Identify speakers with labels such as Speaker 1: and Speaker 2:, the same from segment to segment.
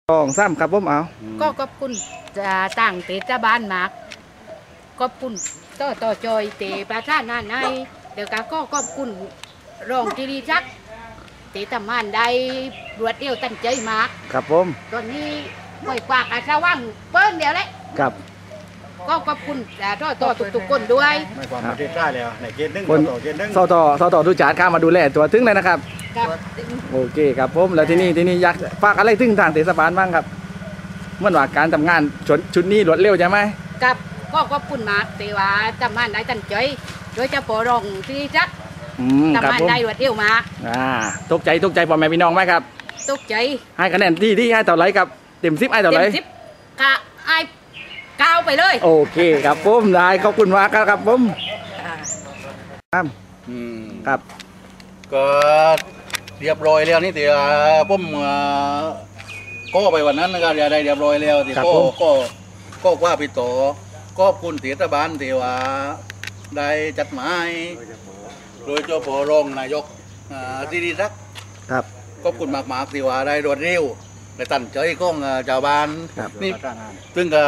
Speaker 1: 2 3ครับผมเอา
Speaker 2: ก็ขอบคุณจะต่างเทศบาลมากขอบคุณต่อจอยเตประชานาในเดี๋ยวก็ขอบคุณรองจิริศักดิ์เตทำงานได้รวดเร็วตั้งใจมาก
Speaker 1: ครับผม
Speaker 2: ตอนนี้ห่วยกวากอาชาว่างเปิ้ลเดียวเลย
Speaker 1: ครับ
Speaker 2: ก็ขอบคุณต่อทุกๆคนด้วย
Speaker 3: ไม่ความประเทศได้แล้วในเกณฑ์หนึ่งต่อเกณฑ์หนึ่ง
Speaker 1: สตดูจานข้ามาดูแลตัวถึงเลยนะครับ
Speaker 2: ครับ
Speaker 1: โอเคครับผมแล้วที่นี่อยากฝากอะไรถึงทางเทศบาลบ้างครับเมื่อว่าการทำงานชุดนี้รวดเร็วใช่ไหม
Speaker 2: ครับก็ขอบคุณมากแต่ว่าทำงานได้ตั้งใจโดยเฉพาะรองจิริศักดิ์ทำงานได้รวดเร็วมาก
Speaker 1: ตกใจพ่อแม่พี่น้องไหมครับ
Speaker 2: ตกใจ
Speaker 1: ให้คะแนนที่ให้เท่าไรครับเต็ม10ให้เท่าไร
Speaker 2: เต็ม10กะไอ้ก้าวไปเลย
Speaker 1: โอเคครับผมได้ขอบคุณมากครับผมครับ
Speaker 3: ก็เรียบร้อยแล้วนี่แต่ผมก็ไปวันนั้นนะครับได้เรียบร้อยแล้วที่ก็ว่าพี่ต่อก็คุณเทศบาลที่ว่าได้จัดหมายโดยเจ้าพอรองนายกที่ดีรัก
Speaker 1: ครับ
Speaker 3: ก็คุณมากๆที่ว่าได้รวดเร็วได้ตั้งใจของชาวบ้านนี่ซึ่งก็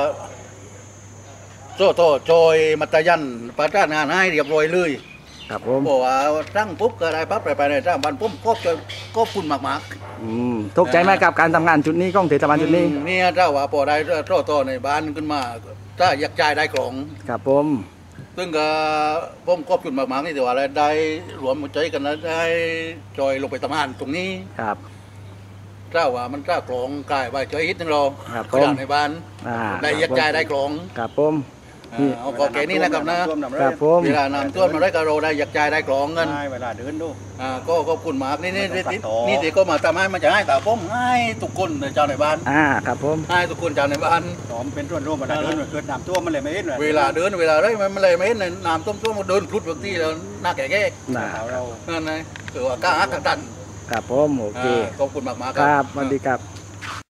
Speaker 3: โซ่โต้โจยมัตยันประจ้างานให้เรียบร้อยเลย
Speaker 1: ครับผม
Speaker 3: บอกว่าตั้งปุ๊บก็ได้ปั๊บไปในจ้างบ้านปุ๊บก็คุณมาก
Speaker 1: ตกใจไหมกับการทำงานจุดนี้ของเทศบาลจุดนี้
Speaker 3: นี่ถ้าว่าพอได้โต้ในบ้านขึ้นมาถ้าอยากจ่ายได้ของ
Speaker 1: ครับผม
Speaker 3: ซึ่งก็ผมก็คุณมากๆนี่แต่ว่าได้รวมใจกันแล้วได้จอยลงไปทำงานตรงนี้
Speaker 1: ครับ
Speaker 3: เจ้าว่ามันเจ้ากลองกายไปเฉยฮิตนึงเรา
Speaker 1: ขนา
Speaker 3: ดในบ้านได้ยัดใจได้กลอง
Speaker 1: ครับผม
Speaker 3: เอาก็แค่นี้นะครับ
Speaker 1: นะครับผม
Speaker 3: เวลานำตัวมาได้กระโดดได้ยัดใจได้กลองเงิน
Speaker 4: เวลาเดินดู
Speaker 3: ก็ขอบคุณมากนี่ที่ก็มาทำให้มันจะให้แต่ผมให้ทุกคนเจ้าในบ้าน
Speaker 1: ครับผม
Speaker 3: ให้ทุกคนเจ้าในบ้าน
Speaker 4: หอมเป็นส่วนร่วมเวลาเดินเกิดน้ำท่วมมันเลยไม่เห็น
Speaker 3: เวลาเดินเวลาอะไรมันเลยไม่เห็นน้ำท่วมมันเดินพลุดบางทีแล้วหน้าแก่
Speaker 4: เรา
Speaker 3: นั่นไงคือว่ากล้าหักกัน
Speaker 1: ครับผมโอเค
Speaker 3: ขอบคุณมาก
Speaker 1: ครับสวัสดีครับ